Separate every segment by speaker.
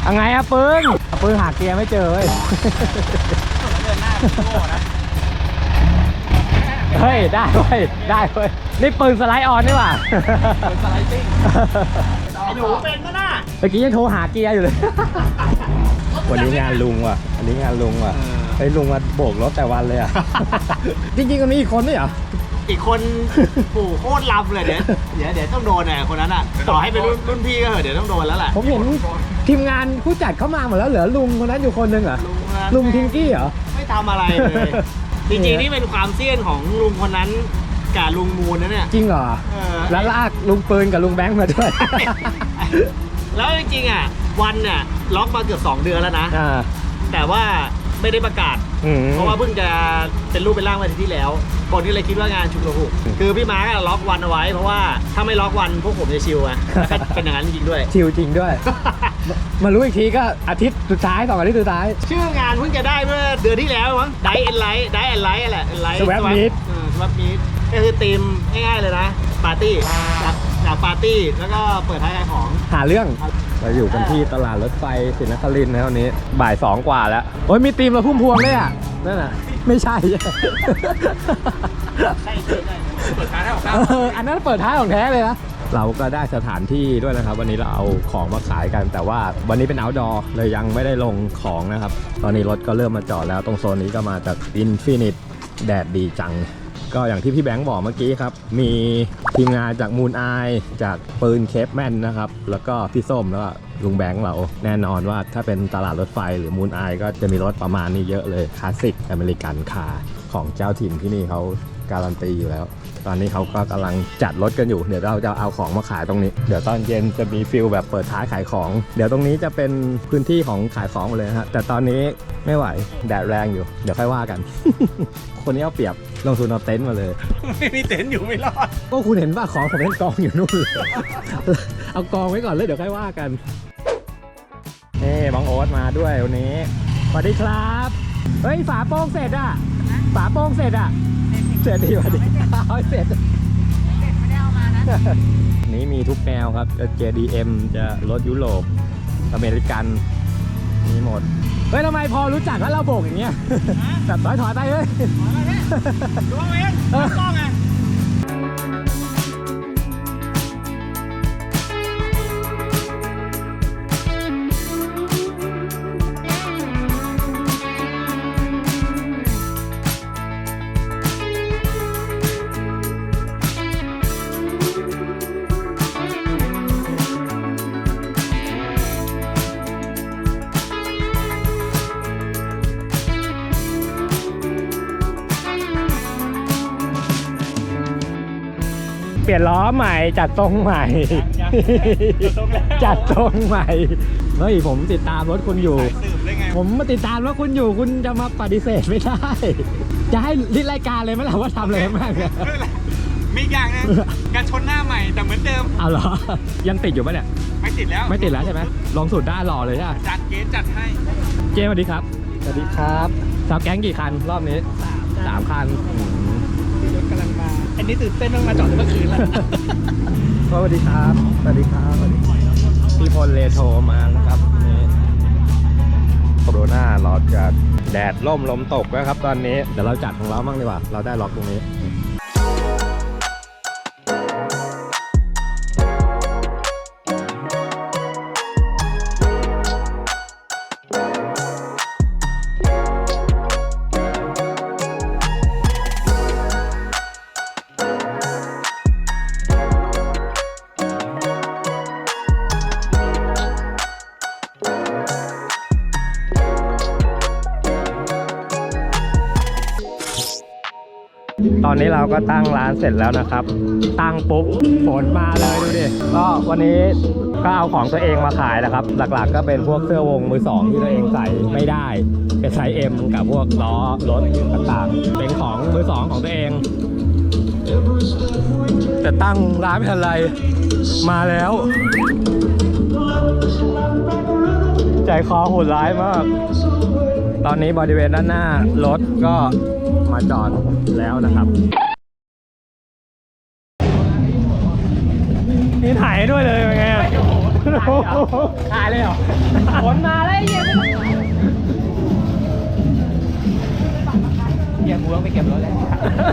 Speaker 1: ยังไงอะปืนหาเกียร์ไม่เจอเว้ยเดินหน้าโง่นะเฮ้ยได้เว้ยนี่ปืนสไลด์ออนนี่หว่าปืนสไลด์ติ้งไอ้หนูเป็นก็น่ะเมื่อกี้ยังโทรหาเกียร์อยู่เลยวันนี้งานลุงว่ะไอ้ลุงมาโบกรถแต่วันเลยอ่ะจริงๆมันมีอีกคนด้วยเหรอ
Speaker 2: อีกคนปู่โคตรลำเลยเดี๋ยวต้องโดนน่ะคนนั้นอ่ะต่อให้เป็นรุ่นพี่ก็เหอะเดี๋ยวต้องโดนแล้วแหละ
Speaker 1: ผมเห็นทีมงานผู้จัดเข้ามาหมดแล้วเหลือลุงคนนั้นอยู่คนนึงเหรอลุงทิงกี้เหรอ
Speaker 2: ไม่ทำอะไรเลยจริงๆนี่เป็นความเสี่ยงของลุงคนนั้นกับลุงมูลนะเนี่ย
Speaker 1: จริงเหรอแล้วลากลุงปืนกับลุงแบงค์มาด้วย
Speaker 2: แล้วจริงๆอ่ะวันเนี่ยล็อกมาเกือบ2 เดือนแล้วนะแต่ว่าไม่ได้ประกาศเพราะว่าเพิ่งจะเป็นรูปเป็นร่างวันที่แล้วคนก็เลยคิดว่างานชุมนุมคือพี่มาร์กล็อกวันเอาไว้เพราะว่าถ้าไม่ล็อกวันพวกผมจะชิลอ่ะเป็นอย่างนั้นจริงด้วย
Speaker 1: ชิลจริงด้วยมารู้อีกทีก็อาทิตย์สุดท้าย2 อาทิตย์สุดท้าย
Speaker 2: ชื่องานเพิ่งจะได้เมื่อเดือนที่แล้วมั้งไดแอนไลท์แหละ
Speaker 1: สวัปมีด
Speaker 2: ก็คือธีมง่ายๆเลยนะปาร์ตี้อยากปาร์ตี้แล้วก็เปิดท้ายขายของ
Speaker 1: หาเรื่องเราอยู่กันที่ตลาดรถไฟศรีนครินทร์นะวันนี้บ่าย 2 กว่าแล้วโอ้ยมีธีมเราพุ่มพวงเลยอ่ะนั่นน่ะไม่ใช่เปิดท้ายของอันนั้นเปิดท้ายของแท้เลยนะเราก็ได้สถานที่ด้วยนะครับวันนี้เราเอาของมาขายกันแต่ว่าวันนี้เป็น outdoor เลยยังไม่ได้ลงของนะครับตอนนี้รถก็เริ่มมาจอดแล้วตรงโซนนี้ก็มาจาก Infinite แดดดีจังก็อย่างที่พี่แบงค์บอกเมื่อกี้ครับมีทีมงานจากมูนไอจากปืนเคปแมนนะครับแล้วก็พี่ส้มแล้วก็ลุงแบงค์เราแน่นอนว่าถ้าเป็นตลาดรถไฟหรือมูนไอก็จะมีรถประมาณนี้เยอะเลยคลาสสิกอเมริกันคาร์ของเจ้าถิ่นที่นี่เขาการันตีอยู่แล้วตอนนี้เขาก็กำลังจัดรถกันอยู่เดี๋ยวเราจะเอาของมาขายตรงนี้เดี๋ยวตอนเย็นจะมีฟิลแบบเปิดท้ายขายของเดี๋ยวตรงนี้จะเป็นพื้นที่ของขายของหมดเลยนะฮะแต่ตอนนี้ไม่ไหวแดดแรงอยู่เดี๋ยวค่อยว่ากัน คนนี้เอาเปรียบลงทุนเอาเต็นท์มาเลย
Speaker 2: ไม่มีเต็นท์อยู่ไม่รอด
Speaker 1: ก็คุณเห็นว่าของผมเป็นกองอยู่นู่นเลยเอากองไว้ก่อนเลยเดี๋ยวค่อยว่ากันนี่บังโอ๊ตมาด้วยวันนี้สวัสดีครับเฮ้ยฝาโป้งเสร็จอ่ะฝาโป้งเสร็จอ่ะเสร็จดีสวัสดีเอาเสร็จไม่ได้เอามานะนี้มีทุกแนวครับจะ JDM จะรถยุโรปอเมริกันมีหมดเฮ้ยทำไมพอรู้จักแล้วเราโบกอย่างเงี้ยแบบถอยไปเลย
Speaker 2: ดูเองต้องไง
Speaker 1: เปลี่ยนล้อใหม่จัดทรงใหม่จัดทรงใหม่เฮ้ยผมติดตามรถคุณอยู่ผมมาติดตามว่าคุณอยู่คุณจะมาปฏิเสธไม่ได้จะให้ลิสต์รายการเลยไหมล่ะว่าทำอะไรบ้าง
Speaker 2: มีอย่างนึงการชนหน้าใหม่แต่เหมือนเดิม
Speaker 1: เอาเหรอยังติดอยู่ปะเนี่ย
Speaker 2: ไม่ติดแล้ว
Speaker 1: ใช่ไหมลองสูตรได้หล่อเลยใช่ไหม
Speaker 2: จัดให้
Speaker 1: เจสวัสดีครับสวัสดีครับสาวแก๊งกี่คันรอบนี้3 คัน
Speaker 2: รถกำลังมาอันนี้ตื่นเต้นต้องมาจอดเมื่อคืนแล้ว
Speaker 1: สวัสดีครับพี่พลเลโทรมานะครับนี่โคโรนาเราจะแดดล่มลมตกแล้วครับตอนนี้เดี๋ยวเราจัดของเราบ้างดีกว่าเราได้ล็อกตรงนี้ ตอนนี้เราก็ตั้งร้านเสร็จแล้วนะครับตั้งปุ๊บฝนมาเลยดูดิก็วันนี้ก็เอาของตัวเองมาขายนะครับหลักๆก็เป็นพวกเสื้อวงมือสองที่ตัวเองใส่ไม่ได้เป็นไซส์ M กับพวกล้อรถต่างๆเป็นของมือสองของตัวเองแต่ตั้งร้านไม่ทันไรมาแล้วใจคอโหดร้ายมากตอนนี้บริเวณด้านหน้ารถก็มาจอดแล้วนะครับนี่ถ่ายด้วยเลยเป็นไงขายเลยเหรอฝนมาแล้วเยี่ยมเยี่ยมกูต้องไปเก็บรถแล้ว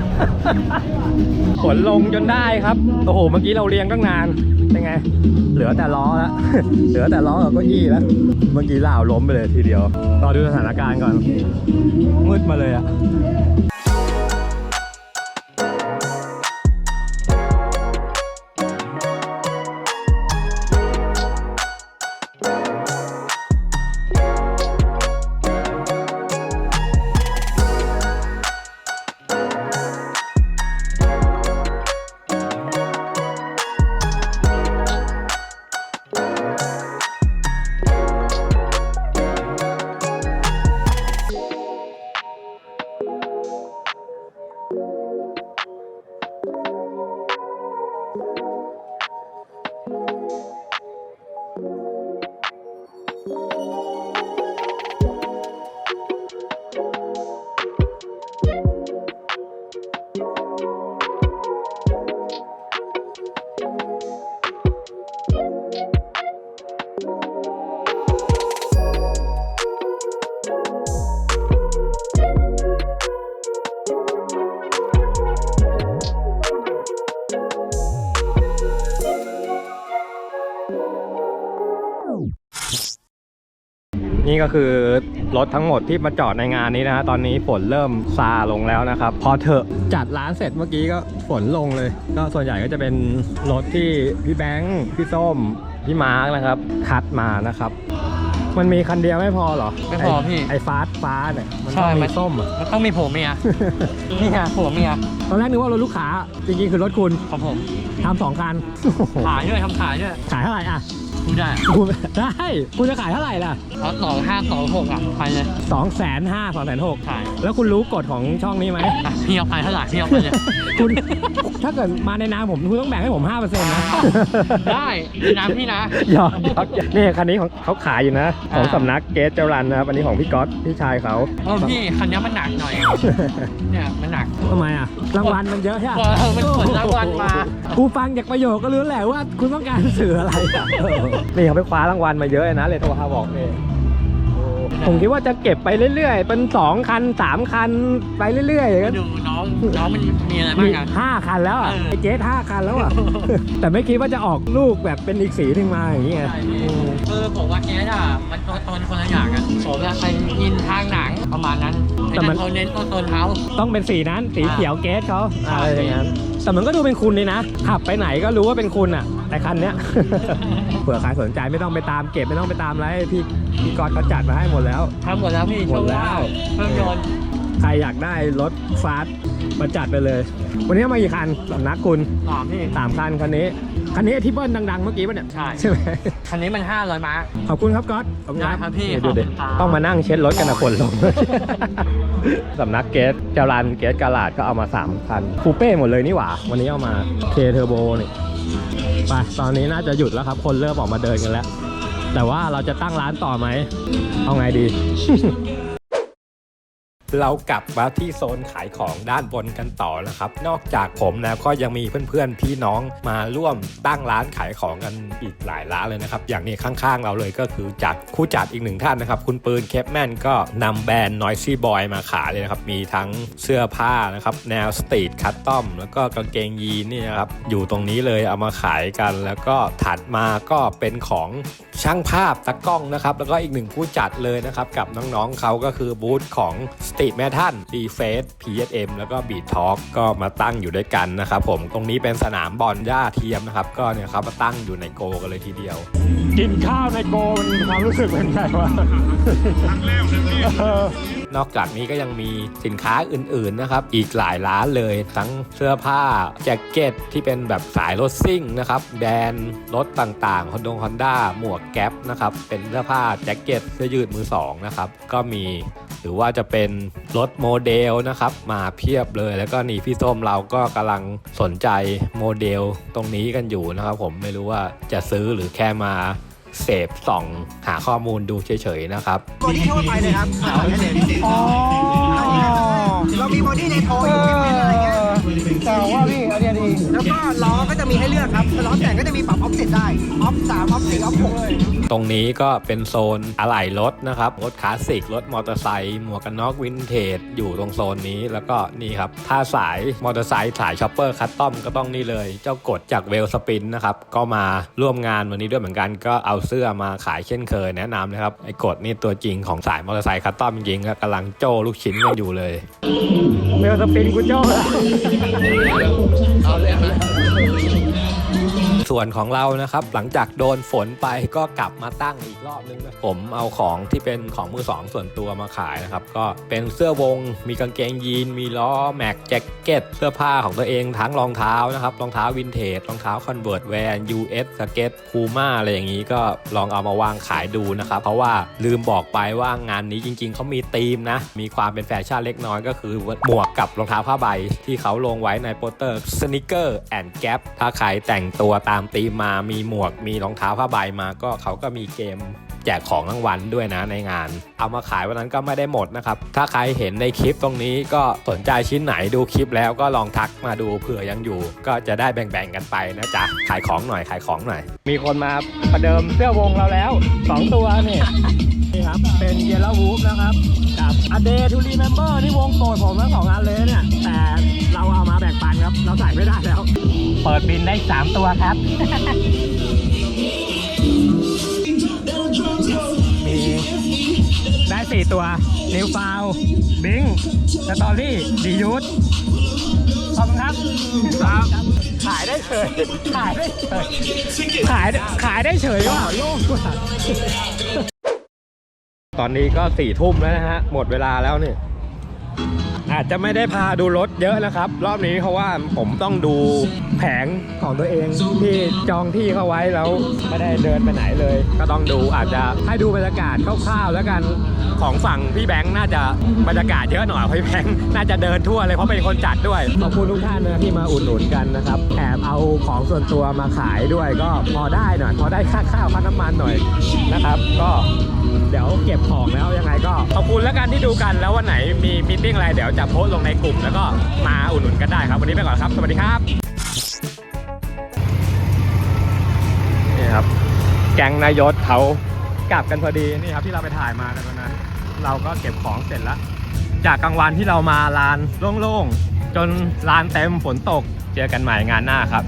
Speaker 1: ฝนลงจนได้ครับโอ้โหเมื่อกี้เราเรียงตั้งนานเป็นไงเหลือแต่ล้อแล้ว เหลือแต่ล้อกับเก้าอี้แล้วเมื่อกี้ล่าวล้มไปเลยทีเดียวรอดูสถานการณ์ก่อนมืดมาเลยอะนี่ก็คือรถทั้งหมดที่มาจอดในงานนี้นะฮะตอนนี้ฝนเริ่มซาลงแล้วนะครับพอเถอะจัดร้านเสร็จเมื่อกี้ก็ฝนลงเลยก็ส่วนใหญ่ก็จะเป็นรถที่พี่แบงค์พี่ส้มพี่มาร์กนะครับคัดมานะครับมันมีคันเดียวไม่พอเหรอ
Speaker 3: ไม่พอพี่
Speaker 1: ไอ้ฟ้าเนี่ยมันต้องมีส้มอ่ะ
Speaker 3: มันต้องมีผัวเมีย นี่ไงผัวเมีย
Speaker 1: ตอนแรกนึกว่ารถลูกค้าจริงๆคือรถคุณ
Speaker 3: ของผม
Speaker 1: ทำ2 คัน
Speaker 3: ขายด้วยทำขายด้วย
Speaker 1: ขายเท่าไหร่อ่ะ
Speaker 3: พูดได้
Speaker 1: ได้คุณจะขายเท่าไหร่ล่ะ
Speaker 3: เอา2526อ่ะไปเลย
Speaker 1: 250,000 260,000
Speaker 3: ขาย
Speaker 1: แล้วคุณรู้กฎของช่องนี้ไหม
Speaker 3: อ่ะพี่เอาไปเท่าไหร่พี่เอาไปเลย
Speaker 1: คุณถ้าเกิดมาในนามผมคุณต้องแบ่งให้ผม 5% นะ
Speaker 3: ได้น้ำพี่นะ
Speaker 1: หยอกนี่คันนี้ของเขาขายอยู่นะ ของสำนักเกสเจรันนะครับอันนี้ของพี่ก๊อตพี่ชายเขา
Speaker 3: พี่คันนี้มันหนักหน่อย เนี่ยมันหนัก
Speaker 1: ทำไมอ่ะรางวัลมันเยอะใช่ไหม
Speaker 3: มันขนรางวัลมา
Speaker 1: กูฟังจากประโยคก็รู้แหละว่าคุณต้องการสื่ออะไรอะนี่เขาไปคว้ารางวัลมาเยอะเลยนะเลยโทรหาบอกนี่ผมคิดว่าจะเก็บไปเรื่อยๆเป็น2 คัน 3 คันไปเรื่อยๆอย่างนั้น
Speaker 3: ดูน้องมันมีอะไรบ้างอ่ะ
Speaker 1: 5 คันแล้วอ่ะ
Speaker 3: เออ
Speaker 1: ไอ้เจ๊5 คันแล้วอ่ะ แต่ไม่คิดว่าจะออกลูกแบบเป็นอีกสีหนึ่งมาอย่างเงี้ย
Speaker 3: คือผมว่าแกอ่ะมันตัวตนคนละอย่างอ่ะผมจะไปยินทางหนังประมาณนั้นแต่มันเขาเน้นตัวตนเขา
Speaker 1: ต้องเป็นสีนั้นสีเขียวเกสเขาอะไรอย่างนั้นแต่มันก็ดูเป็นคุณเลยนะขับไปไหนก็รู้ว่าเป็นคุณอ่ะแต่คันเนี้ย เผื่อใครสนใจไม่ต้องไปตามเก็บไม่ต้องไปตามอะไรพี่กอดเขาจัดมาให้หมดแล้ว
Speaker 3: ทำหมดแล้วพี่
Speaker 1: หมดแล้ว
Speaker 3: เครื่องยนต์
Speaker 1: ใครอยากได้รถฟาสต์มาจัดไปเลย วันนี้มากี่คันสำนักคุณ
Speaker 3: 3พี่
Speaker 1: 3 คันคันนี้ที่เบิ้ลดังๆเมื่อกี้ป่ะเนี่ย
Speaker 3: ใช่
Speaker 1: ไหม
Speaker 3: คันนี้มัน500ม้า
Speaker 1: ขอบคุณครับก๊อตขอบคุณ
Speaker 3: ได้ครับพี่
Speaker 1: ดูดิ
Speaker 3: ขอบคุณครับ
Speaker 1: ต้องมานั่งเช็ดรถกันนะฝนลง สำนักเกสจารันเกสกาลาดก็เอามา3 คันคูเป้หมดเลยนี่หว่าวันนี้เอามาเคเทอร์โบนี่ไปตอนนี้น่าจะหยุดแล้วครับคนเริ่มออกมาเดินกันแล้วแต่ว่าเราจะตั้งร้านต่อไหมเอาไงดี เรากลับมาที่โซนขายของด้านบนกันต่อนะครับนอกจากผมแล้วก็ยังมีเพื่อนๆพี่น้องมาร่วมตั้งร้านขายของกันอีกหลายร้านเลยนะครับอย่างนี้ข้างๆเราเลยก็คือผู้จัดอีก1 ท่านนะครับคุณปืนเคปแมนก็นำแบรนด์ Noisy Boy มาขายเลยนะครับมีทั้งเสื้อผ้านะครับแนวสตรีทคัสตอมแล้วก็กางเกงยีนนี่นะครับอยู่ตรงนี้เลยเอามาขายกันแล้วก็ถัดมาก็เป็นของช่างภาพตากล้องนะครับแล้วก็อีก1ผู้จัดเลยนะครับกับน้องๆเขาก็คือบูธของสตรีทแมทัลดีเฟส PSM แล้วก็บีททอล์กก็มาตั้งอยู่ด้วยกันนะครับผมตรงนี้เป็นสนามบอลหญ้าเทียมนะครับก็เนี่ยครับมาตั้งอยู่ในโกกันเลยทีเดียวกินข้าวในโกมันมีความรู้สึกเป็นไงวะ นอกจากนี้ก็ยังมีสินค้าอื่นๆนะครับอีกหลายร้านเลยทั้งเสื้อผ้าแจ็คเก็ตที่เป็นแบบสายรถซิ่งนะครับแบรนด์รถต่างๆฮอนด้าหมวกแก๊ปนะครับเป็นเสื้อผ้าแจ็คเก็ตเสื้อยืดมือ2นะครับก็มีหรือว่าจะเป็นรถโมเดลนะครับมาเพียบเลยแล้วก็นี่พี่ส้มเราก็กำลังสนใจโมเดลตรงนี้กันอยู่นะครับผมไม่รู้ว่าจะซื้อหรือแค่มาเสพส่องหาข้อมูลดูเฉยๆนะครับ
Speaker 2: บอดี้ทั่วไปเลยครับเรามีบอดี้ในโทรอยู่เป็นอะไรเงี้ยแต่ว่าพี่อันนี้ดีแล้วก็ล้อก็จะมีให้เลือกครับล้อแต่งก็จะมีปรับออฟเซ็ตได้ออฟ3ออฟ4ออฟ6
Speaker 1: ตรงนี้ก็เป็นโซนอะไหล่รถนะครับรถคลาสสิกรถมอเตอร์ไซค์หมวกกันน็อกวินเทจอยู่ตรงโซนนี้แล้วก็นี่ครับถ้าสายมอเตอร์ไซค์สายช็อปเปอร์คัสตอมก็ต้องนี่เลยเจ้ากดจากเวลสปินนะครับก็มาร่วมงานวันนี้ด้วยเหมือนกันก็เอาเสื้อมาขายเช่นเคยแนะนำนะครับไอ้กดนี่ตัวจริงของสายมอเตอร์ไซค์คัสตอมจริงๆก็กำลังโจ้ลูกชิ้นกันอยู่เลยเวลสปินกูโจ้แล้วส่วนของเรานะครับหลังจากโดนฝนไปก็กลับมาตั้งอีกรอบนึงนะผมเอาของที่เป็นของมือสองส่วนตัวมาขายนะครับก็เป็นเสื้อวงมีกางเกงยีนมีล้อแม็กแจ็คเก็ตเสื้อผ้าของตัวเองทั้งรองเท้านะครับรองเท้าวินเทจรองเท้าคอนเวิร์ตแวร์ US สเก็ตพูม่าอะไรอย่างนี้ก็ลองเอามาวางขายดูนะครับเพราะว่าลืมบอกไปว่างานนี้จริงๆเขามีธีมนะมีความเป็นแฟชั่นเล็กน้อยก็คือหมวกกับรองเท้าผ้าใบที่เขาลงไว้ในโปสเตอร์สนิเกอร์แอนด์แก๊ปถ้าใครแต่งตัวตามธีมมามีหมวกมีรองเท้าผ้าใบมาก็เขาก็มีเกมแจกของรางวัลด้วยนะในงานเอามาขายวันนั้นก็ไม่ได้หมดนะครับถ้าใครเห็นในคลิปตรงนี้ก็สนใจชิ้นไหนดูคลิปแล้วก็ลองทักมาดูเผื่อยังอยู่ก็จะได้แบ่งๆกันไปนะจ๊ะขายของหน่อยมีคนมาประเดิมเสื้อวงเราแล้ว2ตัวนี่นี่ครับเป็นเยลโล่วูฟนะครับกับ A Day to Remember นี่วงโปรดผมทั้ง2อันเลยเนี่ยแต่เราเอามาแบ่งปันครับเราใส่ไม่ได้แล้วเปิดบินได้3ตัวครับ มีได้4ตัวนิวฟาวบิงสตอรี่ดียูทขอบคุณครับขายได้เฉยขายได้เฉยว่ะโล่งกว่าตอนนี้ก็4 ทุ่มแล้วนะฮะหมดเวลาแล้วนี่อาจจะไม่ได้พาดูรถเยอะนะครับรอบนี้เพราะว่าผมต้องดูแผงของตัวเองที่จองที่เข้าไว้แล้วไม่ได้เดินไปไหนเลยก็ต้องดูอาจจะให้ดูบรรยากาศคร่าวๆแล้วกันของฝั่งพี่แบงค์น่าจะบรรยากาศเยอะหน่อยพี่แบงค์น่าจะเดินทั่วเลยเพราะเป็นคนจัดด้วยขอบคุณทุกท่านนะที่มาอุดหนุนกันนะครับแอบเอาของส่วนตัวมาขายด้วยก็พอได้หน่อยพอได้ค่าข้าวค่าน้ำมันหน่อยนะครับก็เดี๋ยวเก็บของแล้วยังไงก็ขอบคุณแล้วกันที่ดูกันแล้ววันไหนมีมีตติ้งอะไรเดี๋ยวจะโพสต์ลงในกลุ่มแล้วก็มาอุดหนุนกันได้ครับวันนี้ไปก่อนครับสวัสดีครับนี่ครับแก๊งนายศเขากลับกันพอดีนี่ครับที่เราไปถ่ายมากันวันนั้นเราก็เก็บของเสร็จแล้วจากกลางวันที่เรามาลานโล่งๆจนลานเต็มฝนตกเจอกันใหม่งานหน้าครับ